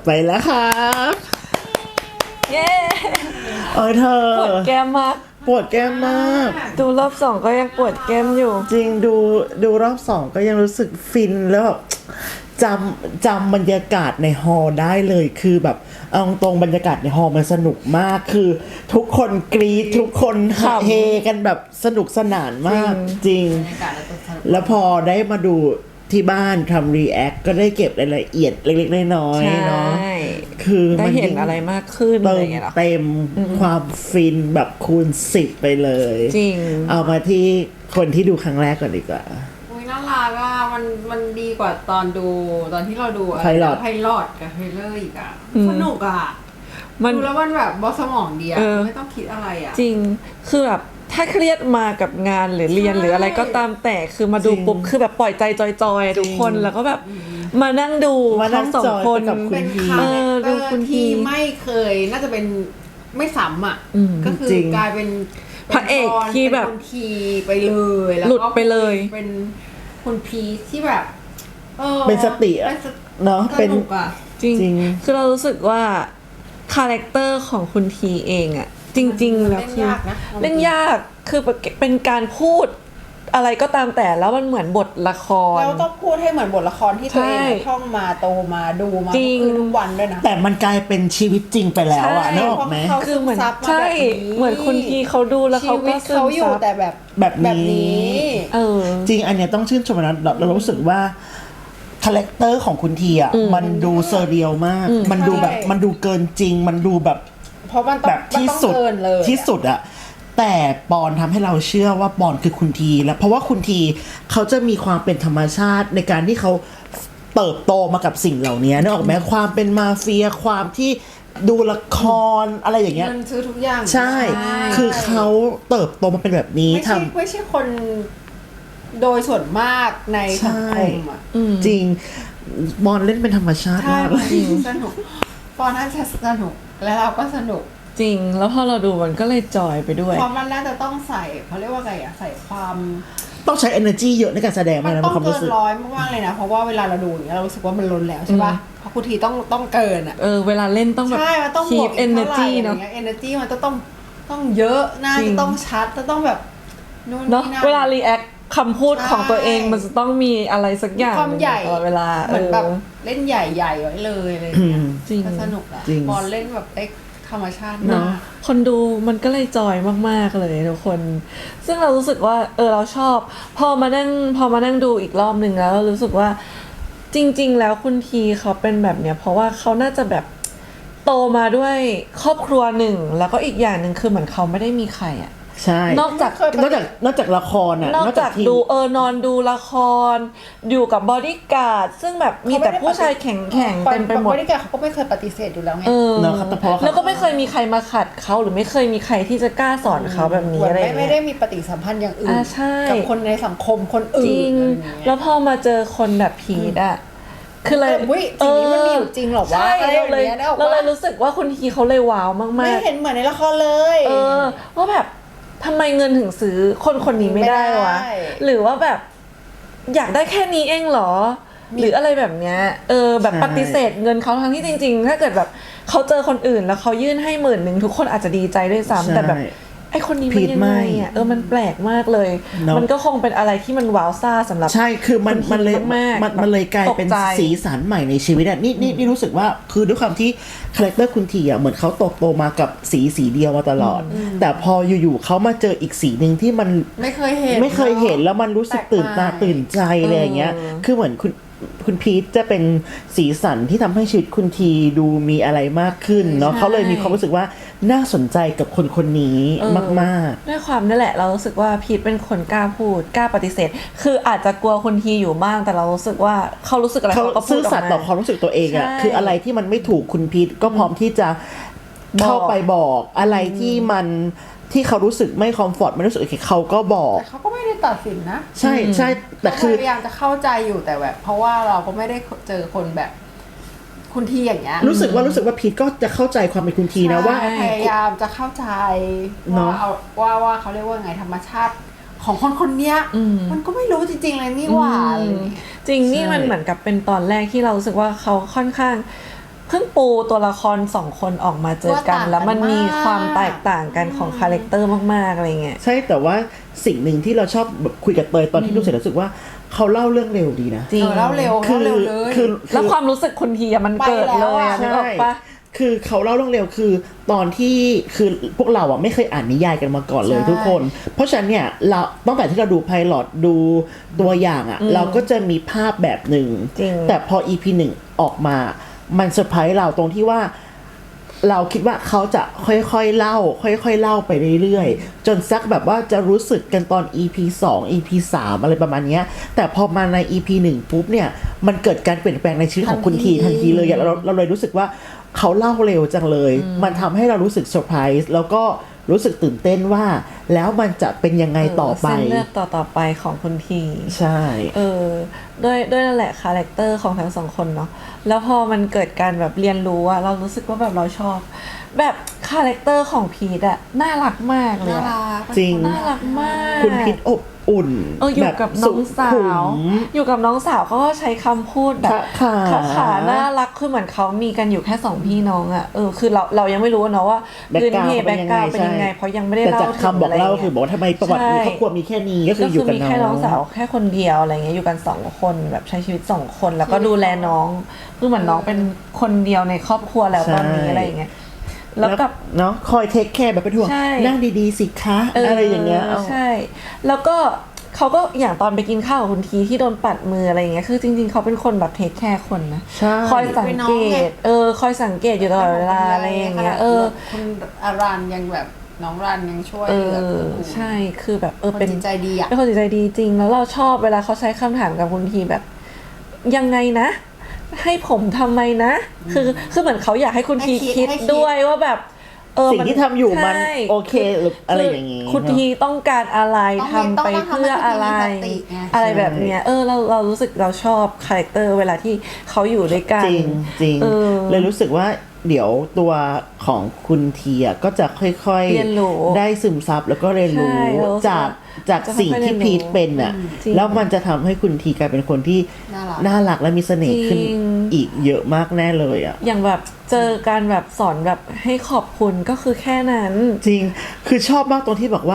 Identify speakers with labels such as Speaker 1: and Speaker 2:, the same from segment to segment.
Speaker 1: ไปแล้วครับ
Speaker 2: เย้
Speaker 1: เธอ
Speaker 2: ปวดแก้มมาก
Speaker 1: ปวดแก้มมาก
Speaker 2: ดูรอบ2ก็ยังปวดแก้มอยู่
Speaker 1: จริงดูรอบ2ก็ยังรู้สึกฟินแล้วแบบจำบรรยากาศในฮอลล์ได้เลยคือแบบเอาตรงบรรยากาศในฮอลล์มันสนุกมากคือทุกคนกรี๊ดทุกคนเฮกันแบบสนุกสนานมากจริงแล้วพอได้มาดูที่บ้านทำรีแอคก็ได้เก็บรายละเอียดเล็กๆน้อยๆเนาะคือ
Speaker 2: ได้เห็นอะไรมากขึ้น
Speaker 1: เต็มความฟินแบบคูณ10ไปเลย
Speaker 2: จริง
Speaker 1: เอามาที่คนที่ดูครั้งแรกก่อนดีกว่า
Speaker 3: น่ารักอ่ะมันดีกว่าตอนที่เราดู
Speaker 1: ไพลอต
Speaker 3: กับเทรลเลอร์อีกอ่ะสนุกอ่ะดูแล้วมันแบบบอสมองดีอ่ะไม่ต้องคิดอะไรอ่ะ
Speaker 2: จริงคือแบบถ้าเครียดมากับงานหรือเรียนหรืออะไรก็ตามแต่คือมาดูปุ๊บคือแบบปล่อยใจจอยๆทุกคนแล้วก็แบบมานั่งดูทั้งสองคน
Speaker 3: เป็นคาแรคเตอร์ที่ไม่เคยน่าจะเป็นไม่ซ้ำอ่ะก็คือกลายเป็น
Speaker 2: พระเอกที่แบบ
Speaker 3: ทีไปเลยแล้ว
Speaker 2: หลุดไปเลย
Speaker 3: เป็นคุณพีที่แบบ
Speaker 1: เป็นสติเนาะเป็น
Speaker 2: จริงคือเรารู้สึกว่าคาแรคเตอร์ของคุณทีเองอะจริงๆแล้วคือเล่นยากคือเป็นการพูดอะไรก็ตามแต่แล้วมันเหมือนบทละคร
Speaker 3: แล้วต้องพูดให้เหมือนบทละครที่ตัวเองท่องมาโตมาดูมาทุกวันด้วยนะ
Speaker 1: แต่มันกลายเป็นชีวิตจริงไปแล้วอะนึกออกไหม
Speaker 3: คือเหมือน
Speaker 2: ใช่เหมือนคุณทีเขาดูแล้วเขาก็ซึม
Speaker 3: ซับแต่แบบนี้
Speaker 1: จริงอันเนี้ยต้องชื่นชมนะเรารู้สึกว่าคาแรคเตอร์ของคุณทีอะมันดูเซอร์เรียลมากมันดูแบบมันดูเกินจริงมันดูแบบ
Speaker 3: เพราะมันแบบที่
Speaker 1: สุดอะแต่ปอนทำให้เราเชื่อว่าปอนคือคุณทีแล้วเพราะว่าคุณทีเขาจะมีความเป็นธรรมชาติในการที่เขาเติบโตมากับสิ่งเหล่านี้นึกออกไหมความเป็นมาเฟียความที่ดูละครอะไรอย่างเงี้ย
Speaker 3: มันซื้อทุกอย่าง
Speaker 1: ใช่คือเขาเติบโตมาเป็นแบบนี้
Speaker 3: ไม่ใช่คนโดยส่วนมากในสังคมอ่ะ
Speaker 1: จริงบอลเล่นเป็นธรรมชาติมาก
Speaker 3: จริงสนุกบอลน่าจะสนุกแล้วเราก็สนุก
Speaker 2: จริงแล้วพอเราดูมันก็เลยจอยไปด้วย
Speaker 3: ความมันน่าจะต้องใส่เขาเรียกว่าไงอะใส่ความ
Speaker 1: ต้องใช้ energy เยอะในการแสดง
Speaker 3: มันต้องเกินร้อยมากๆเลยนะเพราะว่าเวลาเราดูอย่างเงี้ยเรารู้สึกว่ามันล้นแล้วใช่ป่ะเพราะคุณทีต้องเกินอะ
Speaker 2: เวลาเล่นต้องแบบ
Speaker 3: ใช่มันต้องบวก
Speaker 2: energy
Speaker 3: เนาะ energy มันต้องเยอะน่าจะต้องชัดจะต้องแบบ
Speaker 2: นู่นนี่นั่นเวลา react คำพูดของตัวเองมันจะต้องมีอะไรสักอย่าง
Speaker 3: ความใหญ่
Speaker 2: ตลอดเวลา
Speaker 3: เหมือนแบบเล่นใหญ่ๆไว้เลยอะไรอย่างเงี้ย
Speaker 2: จริง
Speaker 3: สนุกอะบอลเล่นแบบได้ธรรมชาติ
Speaker 2: เนาะคนดูมันก็เลยจอยมากๆเลยทุกคนซึ่งเรารู้สึกว่าเราชอบพอมานั่งดูอีกรอบนึงแล้วเรารู้สึกว่าจริงๆแล้วคุณทีเขาเป็นแบบเนี้ยเพราะว่าเขาน่าจะแบบโตมาด้วยครอบครัวหนึ่งแล้วก็อีกอย่างหนึ่งคือเหมือนเขาไม่ได้มีใครอะ
Speaker 1: ใช่
Speaker 2: นอก
Speaker 1: จากละครอ่ะ
Speaker 2: นอกจากดูนอนดูละครอยู่กับบอดี้การ์ดซึ่งแบบมีแต่ผู้ชายแข็งเต็มไปหมด
Speaker 3: บอดี้การ์ดเขาก็ไม่เคยปฏิเสธอยู่แล้วไง
Speaker 2: แล้วก็ไม่เคยมีใครมาขัดเขาหรือไม่เคยมีใครที่จะกล้าสอนเขาแบบนี้อะไร
Speaker 3: ไม่ได้มีปฏิสัมพันธ์อย่างอื่นกับคนในสังคมคนอื่น
Speaker 2: จริงแล้วพอมาเจอคนแบบพีทอ่ะคือเลย
Speaker 3: จริงนี้มันมีอยู่จริงหรอวะ
Speaker 2: เราเลยรู้สึกว่าคุณทีเขาเลยว้าวมากๆ
Speaker 3: ไม่เห็นเหมือนในละครเลย
Speaker 2: ว่าแบบทำไมเงินถึงซื้อคนนี้ไม่ได้วะหรือว่าแบบอยากได้แค่นี้เองเหรอหรืออะไรแบบเนี้ยแบบปฏิเสธเงินเขาทั้งที่จริงๆถ้าเกิดแบบเขาเจอคนอื่นแล้วเขายื่นให้10,000ทุกคนอาจจะดีใจด้วยซ้ำแต่แบบไอคนนี้มันยังไงอ่ะมันแปลกมากเลยมันก็คงเป็นอะไรที่มันว้าวซ่าสำหรับ
Speaker 1: ใช่คือมันเลยกลายเป็นสีสันใหม่ในชีวิตอ่ะนี่รู้สึกว่าคือด้วยความที่คาแรคเตอร์คุณทีอ่ะเหมือนเขาโตมากับสีเดียวมาตลอดแต่พออยู่ๆเขามาเจออีกสีนึงที่มัน
Speaker 3: ไม่เคยเห็น
Speaker 1: แล้วมันรู้สึกตื่นตาตื่นใจอะไรอย่างเงี้ยคือเหมือนคุณพีทจะเป็นสีสันที่ทำให้ชีวิตคุณทีดูมีอะไรมากขึ้นเนาะเขาเลยมีความรู้สึกว่าน่าสนใจกับคนนี้มาก
Speaker 2: ๆด้วยความนั่นแหละเรารู้สึกว่าพีทเป็นคนกล้าพูดกล้าปฏิเสธคืออาจจะกลัวคุณทีอยู่บ้างแต่เรารู้สึกว่าเขารู้สึกอะไรเขาก็พูดออกมาซื่อ
Speaker 1: สัตย์ต่อความรู้สึกตัวเองอะคืออะไรที่มันไม่ถูกคุณพีทก็พร้อมที่จะเข้าไปบอกอะไรที่มันที่เขารู้สึกไม่คอมฟอร์ตไม่รู้สึกโอเคเขาก็บอก
Speaker 3: แต่เขาก็ไม่ได้ตัดสินนะ
Speaker 1: ใช่แต่คือ
Speaker 3: พยายามจะเข้าใจอยู่แต่แบบเพราะว่าเราก็ไม่ได้เจอคนแบบคุณทีอย่างเงี้ย
Speaker 1: รู้สึกว่าพีทก็จะเข้าใจความเป็นคุณทีนะว่า
Speaker 3: พยายามจะเข้าใจว่าเขาเรียกว่าไงธรรมชาติของคนเนี้ยมันก็ไม่รู้จริงๆเลยนี่หว่า
Speaker 2: จริงนี่มันเหมือนกับเป็นตอนแรกที่เรารู้สึกว่าเขาค่อนข้างเพิ่งปูตัวละคร2คนออกมาเจอกัน แล้วมันมีความแตกต่างกันของคาแรคเตอร์มากๆอะไรเงี้ย
Speaker 1: ใช่แต่ว่าสิ่งหนึ่งที่เราชอบแบบคุยกับเตยตอนที่ดูเสร็จรู้สึกว่าเขาเล่าเรื่องเร็วดีนะ
Speaker 2: จริง
Speaker 3: เล่าเร็วเลย
Speaker 2: แล้วความรู้สึกคนทีอะมันเกิดเลยอะนึกออกปะ
Speaker 1: คือเขาเล่าเรื่องเร็วคือตอนที่คือพวกเราอ่ะไม่เคยอ่านนิยายกันมาก่อนเลยทุกคน เพราะฉะนั้นเนี่ยเราตั้งแต่ที่เราดูไพลอตดูตัวอย่างอ่ะเราก็จะมีภาพแบบหนึ่งแต่พอ EP 1 ออกมามันเซอร์ไพรส์เราตรงที่ว่าเราคิดว่าเขาจะค่อยๆเล่าค่อยๆเล่าไปเรื่อยๆจนสักแบบว่าจะรู้สึกกันตอน EP 2 EP 3อะไรประมาณนี้แต่พอมาใน EP 1ปุ๊บเนี่ยมันเกิดการเปลี่ยนแปลงในชีวิตของคุณทีทันทีเลยเราเลยรู้สึกว่าเขาเล่าเร็วจังเลยมันทำให้เรารู้สึกเซอร์ไพรส์แล้วก็รู้สึกตื่นเต้นว่าแล้วมันจะเป็นยังไงต่อไป
Speaker 2: เส้นเลือดต่อไปของคุณที
Speaker 1: ใช่
Speaker 2: ด้วยนั่นแหละคาแรคเตอร์ของทั้งสองคนเนาะแล้วพอมันเกิดการแบบเรียนรู้อะเรารู้สึกว่าแบบเราชอบแบบคาแรคเตอร์ของพีทอะน่ารักมากเลย
Speaker 1: จริง
Speaker 2: น่ารักมาก
Speaker 1: คุณพีทอบอุ่น
Speaker 2: อยู่กับน้องสาวอยู่กับน้องสาวเขาก็ใช้คำพูดแบบขาน่ารักคือเหมือนเขามีกันอยู่แค่2พี่น้องอะคือเรายังไม่รู้เนาะว่าพื้นเพแบ็คกราวด์เป็นยังไงเพราะยังไม่ได้เล่า
Speaker 1: แต่จากคำบอกเล่าคือบอกว่าทำไมประวัติครอบครัวมีแค่นี้ก็คืออยู่กับ
Speaker 2: มีแค่น้องสาวแค่คนเดียวอะไรเงี้ยอยู่กัน2คนแบบใช้ชีวิต2คนแล้วก็ดูแลน้องคือเหมือนน้องเป็นคนเดียวในครอบครัวแล้วตอนนี้อะไรอย่างเงี้ยแล้วกับ
Speaker 1: เนาะคอยเทคแคร์แบบเป็นห่วงนั่งดีๆสิคะอะไรอย่างเงี้ย
Speaker 2: ใช่แล้วก็เขาก็อย่างตอนไปกินข้าวกับคุณทีที่โดนปัดมืออะไรอย่างเงี้ยคือจริงๆเขาเป็นคนแบบเทคแคร์คนนะคอยสังเกตคอยสังเกตอยู่ตลอดเวลาอะไรอย่างเงี้ย
Speaker 3: คุณอารันยังแบบน้องรันยังช่วย
Speaker 2: ใช่คือแบบ
Speaker 3: เป็นจิตใจดีอ่ะ
Speaker 2: เป็นคนจิตใจดีจริงแล้วเราชอบเวลาเขาใช้คำถามกับคุณทีแบบยังไงนะให้ผมทำไมนะคือเหมือนเขาอยากให้คุณทีคิดด้วยว่าแบบ
Speaker 1: สิ่งที่ทำอยู่มันโอเคหรืออะไรอย่างงี้
Speaker 2: คุณทีต้องการอะไรทำไปเพื่ออะไรอะไรแบบเนี้ยเรารู้สึกเราชอบคาแรคเตอร์เวลาที่เขาอยู่ด้วยกัน
Speaker 1: จริงเลยรู้สึกว่าเดี๋ยวตัวของคุณทีก็จะค่อยๆได้ซึมซับแล้วก็เรียนรู้จากสิ่งที่พีทเป็นอ่ะแล้วมันจะทำให้คุณทีกลายเป็นคนที่น่ารักและมีเสน่ห์ขึ้นอีกเยอะมากแน่เลยอ่ะ
Speaker 2: อย่างแบบเจอการแบบสอนแบบให้ขอบคุณก็คือแค่นั้น
Speaker 1: จริงคือชอบมากตรงที่บอกว่า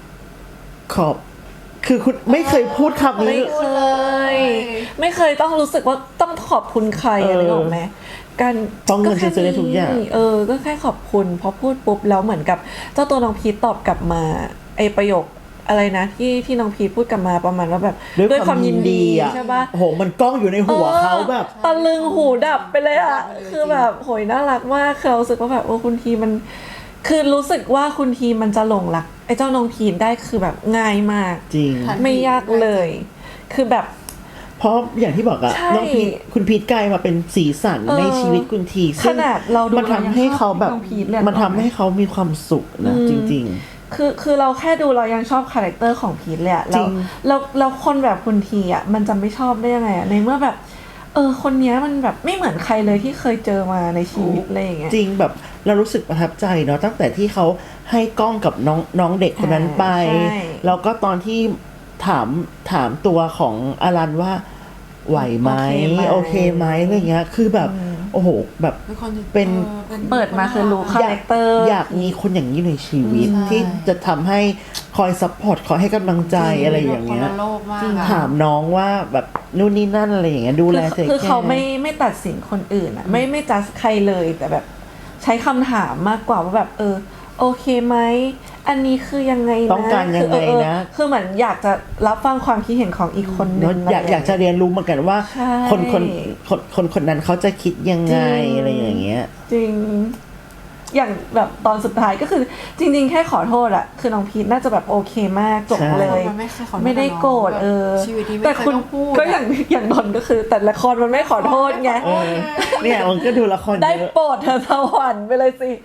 Speaker 1: คือคุณไม่เคยพูดคำนี้
Speaker 2: ไม่เคยต้องรู้สึกว่าต้องขอบคุณใครอะไรหรอกไหมการ
Speaker 1: ต้องเงินซื้อได้ทุกอย่าง
Speaker 2: ก็แค่ขอบคุณพอพูดปุ๊บแล้วเหมือนกับเจ้าตัวน้องพีทตอบกลับมาไอประโยคอะไรนะที่น้องพีทพูดกลับมาประมาณว่าแบบด้วยความยินดีใช่ปะ
Speaker 1: โหมันกล้องอยู่ในหัวเขาแบบ
Speaker 2: ตะลึงหูดับไปเลยอ่ะคือแบบโหยน่ารักมากเขารู้สึกว่าแบบคุณทีมันคือรู้สึกว่าคุณทีมันจะหลงรักไอ้เจ้าน้องพีทได้คือแบบง่ายมาก
Speaker 1: จริง
Speaker 2: ไม่ยากเลยคือแบบ
Speaker 1: เพราะอย่างที่บอกอะน้องพีทคุณพีทกลายมาเป็นสีสันในชีวิตคุณที
Speaker 2: ขนาดเราดู
Speaker 1: มันทำให้เขาแบบมันทำให้เขามีความสุขนะจริง
Speaker 2: คือเราแค่ดูเรายังชอบคาแรคเตอร์ของพีทเลยอะแล้วคนแบบคุณทีอะมันจะไม่ชอบได้ยังไงอะในเมื่อแบบคนนี้มันแบบไม่เหมือนใครเลยที่เคยเจอมาในชีวิตอะไรอย่างเงี้ย
Speaker 1: จริงแบบเรารู้สึกประทับใจเนาะตั้งแต่ที่เขาให้กล้องกับน้องเด็กคนนั้นไปแล้วก็ตอนที่ถามตัวของอารันว่าไหวไหมโอเคไหมอะไรเงี้ยคือแบบโอ้โหแบบเป็น
Speaker 2: เปิดมาคือรู้คาแรคเตอร์
Speaker 1: อยากมีคนอย่างนี้ในชีวิตที่จะทำให้คอยซัพพอร์ตคอยให้กำลังใจอะไรอย่างเงี้ยถามน้องว่าแบบนู่นนี่นั่นอะไรอย่างเงี้ยดูแลเธอ
Speaker 2: คือเขาไม่ตัดสินคนอื่นอ่ะไม่จัดใครเลยแต่แบบใช้คำถามมากกว่าว่าแบบโอเคไหมอันนี้คือยังไงนะ
Speaker 1: ต้องการยังไงนะ
Speaker 2: คือเหมือนอยากจะรับฟังความคิดเห็นของอีกคนนึง
Speaker 1: อยากจะเรียนรู้เหมือนกันว่าคนนั้นเขาจะคิดยังไงอะไรอย่างเงี้ย
Speaker 2: จริงอย่างแบบตอนสุดท้ายก็คือจริงๆแค่ขอโทษอะคือน้องพีทน่าจะแบบโอเคมากจบเลยไม่ได้โกรธแต่คุณก็อย่างนนก็คือแต่ละครมันไม่ขอโทษไง
Speaker 1: เนี่ยมันก็ดูละคร
Speaker 2: ได้โปรดเธอสวรรค์ไปเลยสิ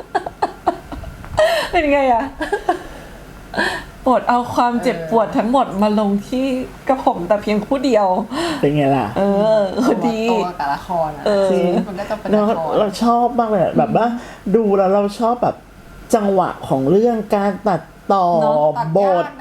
Speaker 2: เป็นไงอะโปรดเอาความเจ็บปวดทั้งหมดมาลงที่กระผมแต่เพียงผู้เดียว
Speaker 1: เป็นไงล่ะ
Speaker 3: ดีตัวกับละครมันก็จะเป็น
Speaker 1: ละครเราชอบมากเลยแบบว่าดูแล้วเราชอบแบบจังหวะของเรื่องการตัดต่อบท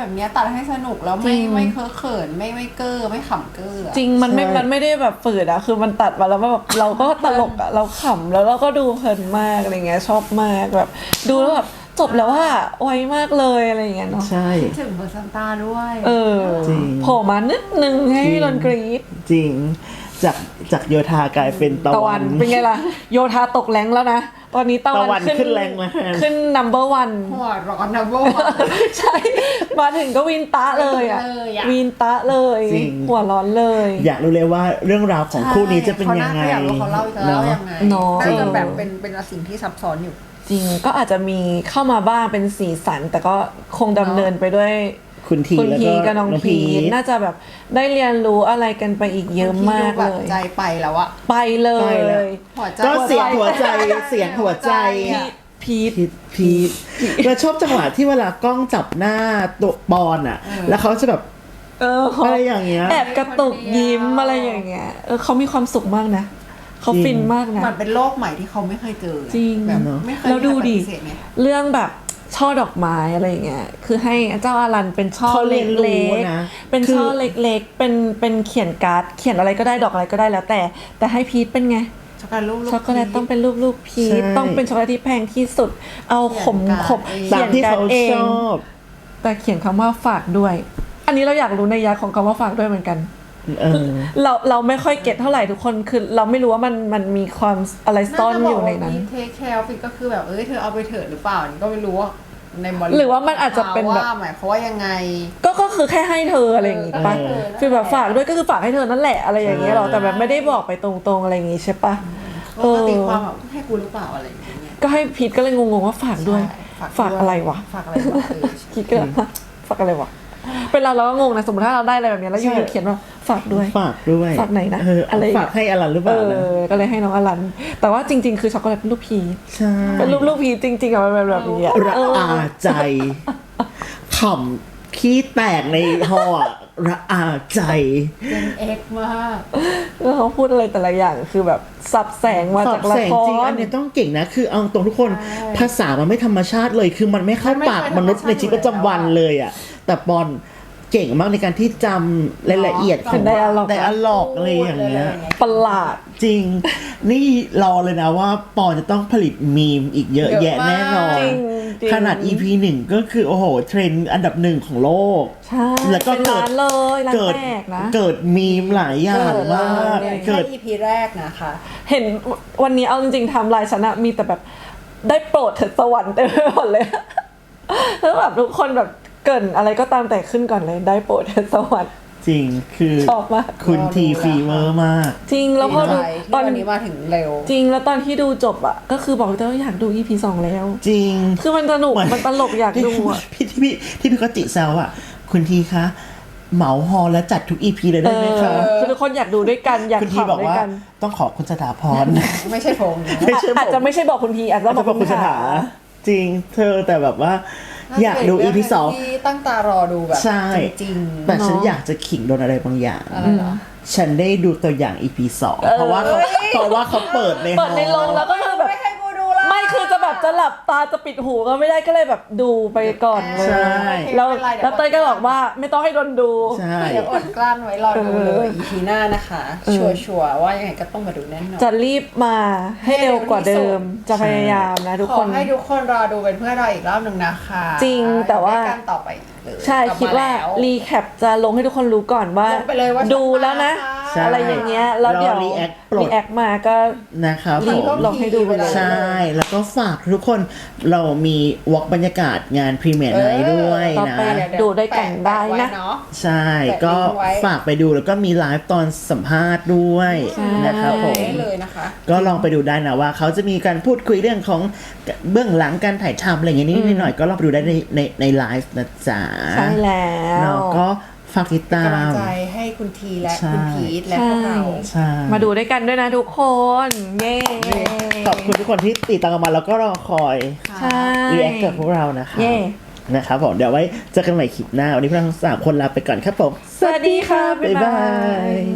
Speaker 3: แบบเนี้ยตัดให้สนุกแล้วไม่เคอะเขินไม่เก้อไม่ขำเก้อ
Speaker 2: จริงมันไม่ได้แบบฝืดอะคือมันตัดมาแล้วแบบเราก็ตลกอะเราขำแล้วเราก็ดูเพลินมากอะไรเงี้ยชอบมากแบบดูแล้วแบบจบแล้วว่าไวมากเลยอะไรเงี้ยเนาะ
Speaker 1: ใช่
Speaker 3: คิดถึงเบอร์ซันต้าด้วย
Speaker 1: จริง
Speaker 2: โผล่มานิดนึงให้พี่รอนกรี๊ด
Speaker 1: จริงจากโยธากลายเป็นตะ
Speaker 2: ตะ
Speaker 1: วั
Speaker 2: วัน นเป็นไงล่ะโยธาตกแรงแล้วนะตอนนี้ตะ
Speaker 1: ตะวั
Speaker 2: วัน น
Speaker 1: ขึ้นแรงแล้ว
Speaker 2: ขึ้น number one
Speaker 3: หัวร้อนนะโบ
Speaker 2: ใช่มาถึงก็วินตะเลยอะ
Speaker 3: เลยอะ
Speaker 2: วินตะเลย
Speaker 1: จริง
Speaker 2: หัวร้อนเลย
Speaker 1: อยากรู้เลยว่าเรื่องราวของคู่นี้จะเป็นยังไง
Speaker 3: เขาอยากรู้เขาเล่าจะเล่ายังไง
Speaker 2: เนาะ
Speaker 3: น่าจะแบบเป็นสิ่งที่ซับซ้อนอยู่
Speaker 2: จริงก็อาจจะมีเข้ามาบ้างเป็นสีสัน แต่ก็คงดำเนินไปด้วย
Speaker 1: คุณที
Speaker 2: คุณ
Speaker 1: แล้ว
Speaker 2: พี
Speaker 1: ก็
Speaker 2: กับน้องพีทน่าจะแบบได้เรียนรู้อะไรกันไปอีกเยอะมาก
Speaker 3: แบ
Speaker 2: เล
Speaker 3: บ
Speaker 2: ย
Speaker 3: ใจไปแล้วอะ
Speaker 2: ไปเล
Speaker 1: ไปแล้ว
Speaker 2: ย
Speaker 3: หัวใจ
Speaker 1: ก็เสียงหัวใจเสียงหัวใจ
Speaker 2: พีท
Speaker 1: พีทแล้วชอบจังหวะที่เวลากล้องจับหน้าตัวบอลอ่ะ แล้วเขาจะแบบ อะไรอย่างเงี้ย
Speaker 2: แอบกระตุกยิ้มอะไรอย่างเงี้ยเขามีความสุขมากนะเขาฟินมากนะ
Speaker 3: มันเป็นโลกใหม่ที่เขาไม่เคยเจอ
Speaker 2: จริง
Speaker 3: แบบไม่เคย
Speaker 2: แล้วดูดิ
Speaker 3: มีใครปฏิเสธไง
Speaker 2: เรื่องแบบช่อดอกไม้อะไรอย่างเงี้ยคือให้เจ้าอารันเป็นช่อ
Speaker 1: เขาเรี
Speaker 2: เล็
Speaker 1: ยนรู้
Speaker 2: ก
Speaker 1: นะ
Speaker 2: ๆเป็น
Speaker 1: คือ
Speaker 2: ช่อเล็กๆเป็นเขียนการ์ดเขียนอะไรก็ได้ดอกอะไรก็ได้แล้วแต่ให้พีทเป็นไง
Speaker 3: ช็อกโกแลตลูก
Speaker 2: ช็อกโกแลตต้องเป็นรูปพีช
Speaker 1: ใช่
Speaker 2: ต้องเป็นช็อกโกแลตที่แพงที่สุด เอาขม
Speaker 3: เขียนการ์ดเอง
Speaker 1: ตามที่เขา
Speaker 2: เอง
Speaker 1: ชอบ
Speaker 2: แต่เขียนคำว่าฝากด้วย อันนี้เราอยากรู้ในยยะของคำว่าฝากด้วยเหมือนกัน เราไม่ค่อยเก็ตเท่าไหร่ทุกคนคือเราไม่รู้ว่ามันมีความอะไรซ่อนอยู่ในนั้น
Speaker 3: เทคแคร์ฟิตก็คือแบบเธอเอาไปเถิดหรือเปล่านี่ก็ไม่รู้ว่าในบริ
Speaker 2: หรือว่ามันอาจจะเป็นแบบ
Speaker 3: ว่าหมายความว่ายังไง
Speaker 2: ก็คือแค่ให้เธออะไรอย่างงี้ปะ
Speaker 3: เออ
Speaker 2: คือแบบฝากด้วยก็คือฝากให้เธอนั่นแหละอะไรอย่างเงี้ยหรอแต่แบบไม่ได้บอกไปตรงๆอะไรอย่างงี้ใช่ปะ
Speaker 3: ปกติความแบบให้กูหรือเปล่าอะไรอย่างเงี้ย
Speaker 2: ก็ให้พีทก็เลยงงๆว่าฝากด้วย
Speaker 3: ใช่
Speaker 2: ฝากอะไรวะ
Speaker 3: ฝากอะไรวะใช่
Speaker 2: คิดก็ฝากอะไรวะเป็นเราก็งงนะสมมติถ้าเราได้อะไรแบบนี้แล้วอยู่ๆเขียนว่าฝากด้วย
Speaker 1: ฝากด้วย
Speaker 2: ฝากไหนนะ
Speaker 1: อะไรฝากให้อลันหรือเปล่านะ
Speaker 2: ก็เลยให้น้องอลัน แต่ว่าจริง ๆ คือช็อกโกแลตเป็นรูปพี
Speaker 1: ใช่
Speaker 2: เป็นรูปพีจริงๆอะมันเป็นแบบนี้อะ
Speaker 1: ระอาใจขำขี้แตกในหออะระอาใจ
Speaker 3: เป็นเอ็กมาก
Speaker 2: แล้วเขาพูดอะไรแต่ละอย่างคือแบบสับแสงมา
Speaker 1: สอ
Speaker 2: จา
Speaker 1: บ
Speaker 2: กละ
Speaker 1: แสง
Speaker 2: ค
Speaker 1: จริง
Speaker 2: ร
Speaker 1: อันเนี้ยต้องเก่งนะ คือเอาตรงทุกคน
Speaker 3: ใช่
Speaker 1: ภาษามันไม่ธรรมชาติเลย คือมันไม่เข้าปากมนุษย์ในชีวิตประจำวันเลยอ่ะ แต่บอลเก่งมากในการที่จำรายละเอียดของ
Speaker 2: ไดอะล็อก
Speaker 1: ไดอะล็อกอะไรอย่างเงี้ย
Speaker 2: ประหลาด
Speaker 1: จริง นี่รอเลยนะว่าปอนจะต้องผลิตมีมอีกเยอะ
Speaker 3: เยอะ
Speaker 1: แยะแน่นอน
Speaker 2: จริงจริง
Speaker 1: ขนาด EP 1 ก็คือ โอ้โห เทรนด์อันดับหนึ่งของโลก
Speaker 2: ใช่
Speaker 1: แล้วก็
Speaker 2: เป็น
Speaker 1: เกิด
Speaker 2: ร้านเลยร้าน
Speaker 1: เกิด
Speaker 2: แตกนะ
Speaker 1: เกิดมีมหลายอย่างมาก
Speaker 3: แค่
Speaker 1: เกิด
Speaker 3: EP แรกนะคะ
Speaker 2: เห็นวันนี้เอาจริงๆไทำลายฉันอะมีแต่แบบได้โปรดเถิดสวรรค์เต็มไปหมดเลย แล้วแบบทุกคนแบบเกรินอะไรก็ตามแต่ขึ้นก่อนเลยได้โปรดเถิดสวรรค์
Speaker 1: จริงคือ
Speaker 2: ชอบมาก
Speaker 1: คุณทีฟีเวอร์มาก
Speaker 2: จริงแล้วพอดู
Speaker 3: ดีใจ
Speaker 2: ตอน
Speaker 3: ที่วันนี้มาถึงเร็ว
Speaker 2: จริงแล้วตอนที่ดูจบอะก็คือบอกเลยว่าอยากดู EP 2 แล้ว
Speaker 1: จริง
Speaker 2: คือมันสนุก
Speaker 1: เหมือน
Speaker 2: มันตลกอยากดูอะ
Speaker 1: ที่พี่ก็ติแซวอ่ะ คุณทีคะ เหมาฮอลแล้วจัดทุก EP เลยได้ไหมคะ
Speaker 2: คือทุกคนอยากดูด้วยกันอยาก
Speaker 1: คุณที
Speaker 2: ขำ
Speaker 1: บอก
Speaker 2: ด้วย
Speaker 1: ว่า
Speaker 2: กัน
Speaker 1: ต้องขอคุณสถาพร
Speaker 3: ไม่ใช่ผมนะ
Speaker 1: ไม่ใช่ผม
Speaker 2: อาจจะไม่ใช่บอกคุณทีอาจจะ
Speaker 1: อาจ
Speaker 2: บอ
Speaker 1: จะ
Speaker 2: ก
Speaker 1: บอก
Speaker 2: คุ
Speaker 1: คุณ ณ
Speaker 2: ถา
Speaker 1: สถาจริงเธอแต่แบบว่า อยากดู EP 2
Speaker 3: ที่ตั้งตารอดูแบบ
Speaker 1: ใช่
Speaker 3: จริง
Speaker 1: แต่ฉันอยากจะขิงโดนอะไรบางอย่าง
Speaker 3: ๆอะไรเหรอ
Speaker 1: ฉันได้ดูตัวอย่าง EP 2 เพราะว่าเขาเปิดใน
Speaker 2: เปิดในโรงแล้วก็คือแบบ
Speaker 3: ไม่ให้กูดูละ
Speaker 2: ไม่คือจะแบบจะหลับตาจะปิดหูก็ไม่ได้ก็เลยแบบดูไปก่อนเลย
Speaker 1: ใช่
Speaker 2: แล้วเต้ยก็บอกว่าไม่ต้องให้โดนดู
Speaker 1: ใช่
Speaker 3: เดี๋ยวอดกลั้นไว้รอดูเลย EP หน้านะคะ ชัวร์ๆว่ายังไงก็ต้องมาดูแน่นอน
Speaker 2: จะรีบมาให้เร็วกว่าเดิม จะพยายามนะทุก
Speaker 3: ข
Speaker 2: ค
Speaker 3: อน ให้ทุกคนรอดูเป็นเพื่อนเราอีกรอบหนึ่งนะคะ
Speaker 2: จริงแต่ว่า
Speaker 3: ได้กันต่อไปอีกเลย
Speaker 2: ใช่
Speaker 3: กลับ
Speaker 2: คิด
Speaker 3: ม
Speaker 2: ว่า
Speaker 3: แล้ว
Speaker 2: รีแคปจะลงให้ทุกคนรู้ก่อนว่า
Speaker 3: ลงไปเลยว่า
Speaker 2: ดูแล้วนะ
Speaker 1: ใช่
Speaker 2: อะไรอย่างเงี้ยแล้วเดี๋ยว
Speaker 1: รอ react ปลด
Speaker 2: รีแอคมาก็
Speaker 1: นะครับ
Speaker 2: รี
Speaker 1: ผ
Speaker 2: บ
Speaker 1: ม
Speaker 2: ลงให้ดูไปเลย
Speaker 1: ใช่ แล้วก็ฝากทุกคนเรามีวอล์กบรรยากาศงานพรีเมียร์ไนท์ด้วย
Speaker 2: ต่อ
Speaker 1: นะ
Speaker 2: ไปดูด้วยกันได้นะ
Speaker 3: แปไว้เนาะ
Speaker 1: ใช่
Speaker 3: แปะ
Speaker 1: ก็
Speaker 3: ลิงก์ไว้
Speaker 1: ฝากไปดูแล้วก็มีไลฟ์ตอนสัมภาษณ์ด้วยนะครับผม
Speaker 3: ได้เลยนะคะ
Speaker 1: ก็ลองไปดูได้นะว่าเขาจะมีการพูดคุยเรื่องของเบื้องหลังการถ่ายทำอะไรอย่างนี้นิดหน่อยก็ลองไปดูได้ในไลฟ์นะจ๊ะ
Speaker 2: ใช่แล้
Speaker 1: เนาะ
Speaker 2: ว
Speaker 1: ก็ฝากติดตาก
Speaker 3: ำลัง
Speaker 1: ม
Speaker 3: ใจให้คุณทีและ
Speaker 1: ใช่
Speaker 3: คุณพีทและพวกเรา
Speaker 1: ใช่
Speaker 2: มาดูด้วยกันด้วยนะทุกคน เย้
Speaker 1: ขอบคุณทุกคนที่ติดตามกันมาแล้วก็รอคอย
Speaker 2: ใช่
Speaker 1: รีแอคกับพวกเรานะคะ
Speaker 2: เย่
Speaker 1: นะครับผมเดี๋ยวไว้เจอกันใหม่คลิปหน้า วันนี้พวกเราทั้ง3 คนลาไปก่อนครับผม
Speaker 2: สวัสดีค่ะ
Speaker 1: บ๊ายบาย